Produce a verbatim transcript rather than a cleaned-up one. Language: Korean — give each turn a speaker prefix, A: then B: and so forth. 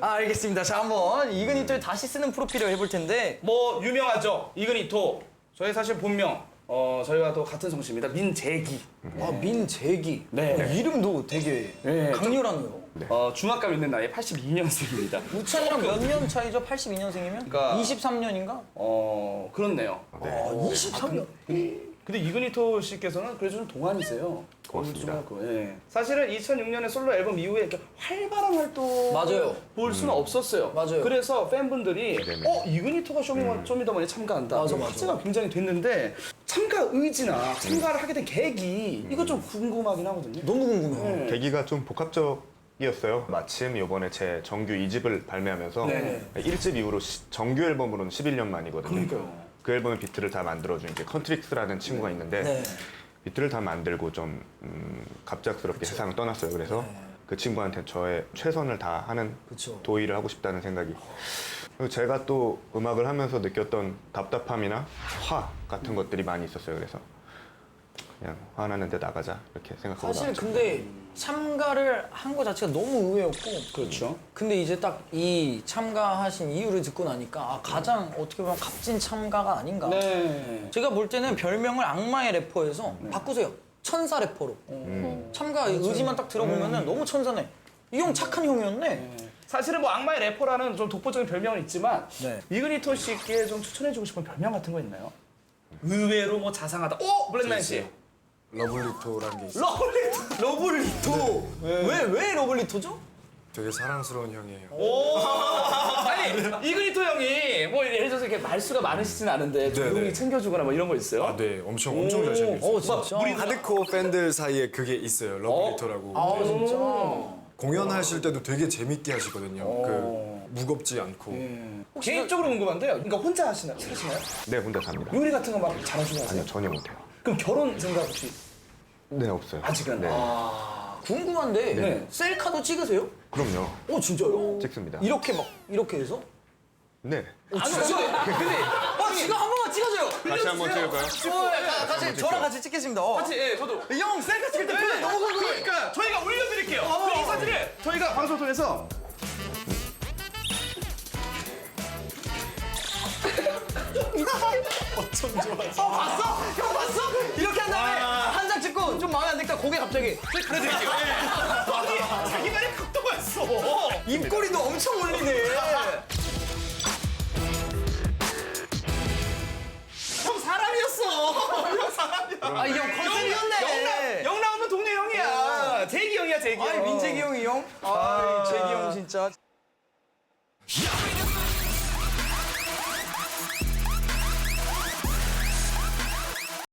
A: 아, 알겠습니다. 자, 한번 이그니토에 다시 쓰는 프로필을 해볼 텐데.
B: 뭐 유명하죠. 이그니토. 저희 사실 본명 어 저희와 또 같은 성씨입니다. 민재기.
A: 아, 민재기.
B: 네.
A: 이름도 되게
B: 네.
A: 강렬하네요.
B: 어 중학감 있는 나이 팔십이 년생입니다.
A: 우찬이랑 몇 년 차이죠? 팔십이 년생이면?
B: 그러니까-
A: 이십삼 년인가?
B: 어 그렇네요.
A: 아, 이십삼 년.
B: 근데 이그니토 씨께서는 그래도 좀 동안이세요.
C: 고맙습니다.
B: 중학교, 예. 사실은 이천육 년에 솔로 앨범 이후에 이렇게 활발한 활동
A: 맞아요.
B: 볼 수는 없었어요.
A: 맞아요.
B: 그래서 팬분들이
C: 네네.
B: 어 이그니토가 쇼미더, 쇼미더머니 참가한다.
A: 맞아,
B: 이런
A: 맞아.
B: 화제가 굉장히 됐는데 참가 의지나 참가를 하게 된 계기 이거 좀 궁금하긴 하거든요.
A: 너무 궁금해요.
B: 네.
C: 계기가 좀 복합적이었어요. 마침 이번에 제 정규 이 집을 발매하면서
B: 네.
C: 일 집 이후로 시- 정규 앨범으로는 십일 년 만이거든요.
B: 그러니까요.
C: 그 앨범의 비트를 다 만들어준 이제 컨트릭스라는 친구가 있는데
A: 네.
C: 비트를 다 만들고 좀 음, 갑작스럽게 세상을 떠났어요. 그래서
A: 네.
C: 그 친구한테 저의 최선을 다하는
A: 그쵸.
C: 도의를 하고 싶다는 생각이. 그리고 제가 또 음악을 하면서 느꼈던 답답함이나 화 같은 것들이 많이 있었어요. 그래서 그냥 화나는데 나가자 이렇게 생각하고
A: 사실
C: 나왔죠.
A: 근데 참가를 한 거 자체가 너무 의외였고.
B: 그렇죠.
A: 근데 이제 딱 이 참가하신 이유를 듣고 나니까 아, 가장 어떻게 보면 값진 참가가 아닌가.
B: 네.
A: 제가 볼 때는 별명을 악마의 래퍼에서 바꾸세요. 천사 래퍼로. 참가 의지만 딱 들어보면은 너무 천사네. 이 형 착한 형이었네.
B: 사실은 뭐 악마의 래퍼라는 좀 독보적인 별명은 있지만
A: 네.
B: 이그니토 씨께 좀 추천해주고 싶은 별명 같은 거 있나요? 의외로 뭐 자상하다. 오! 블랙맨 씨.
D: 러블리토라는 게 있어요.
B: 러블리토.
A: 러블리토. 왜, 왜 러블리토죠?
D: 되게 사랑스러운 형이에요.
B: 오! 아니, 이그니토 형이 뭐 예를 들어서 이렇게 말수가 많으시진 않은데
D: 네,
B: 조용히
D: 네.
B: 챙겨주거나 뭐 이런 거 있어요?
D: 아, 네, 엄청 엄청 잘 챙겨주세요.
A: 어, 진짜?
B: 우리
D: 하드코어 팬들 사이에 그게 있어요. 러블리토라고.
A: 아, 진짜?
D: 공연하실 때도 되게 재밌게 하시거든요. 그 무겁지 않고.
B: 개인적으로 궁금한데요. 그러니까 혼자 하시나요? 사시나요?
C: 네, 혼자 삽니다.
B: 요리 같은 거 막 잘하시고 하세요?
C: 아니요, 전혀 못해요.
B: 그럼 결혼 생각 혹시
C: 네, 없어요.
B: 아직은?
C: 네.
A: 아, 궁금한데
B: 네.
A: 셀카도 찍으세요?
C: 그럼요.
A: 어, 진짜요?
C: 찍습니다.
A: 이렇게 막 이렇게 해서?
C: 네.
A: 어, 진짜? 근데 어, 지금 한 번만 찍어줘요.
C: 같이 한번 찍을까요?
A: 어, 가- 같이 저랑 같이 찍겠습니다. 어.
B: 같이, 예, 저도.
A: 이 형 셀카 찍을 때 표정 너무 궁금해.
B: 그러니까 저희가 올려드릴게요.
A: 어.
B: 이 사진을 저희가 방송을 통해서
A: 어, 봤어? 형 봤어? 이렇게 한 다음에 한 장 찍고 좀 마음에 안 드니까 고개 갑자기
B: 가려드릴게요. 아니, 자기 말에 각도가 있어.
A: 입꼬리도 엄청 올리네.
B: 형 사람이었어. 형 사람이야.
A: 아, 이 형 컨셉이었네.
B: 영 나오면 동네 형이야. 재기 형이야, 재기 형.
A: 아이, 민재기 형이 형? 아, 재기 형 진짜.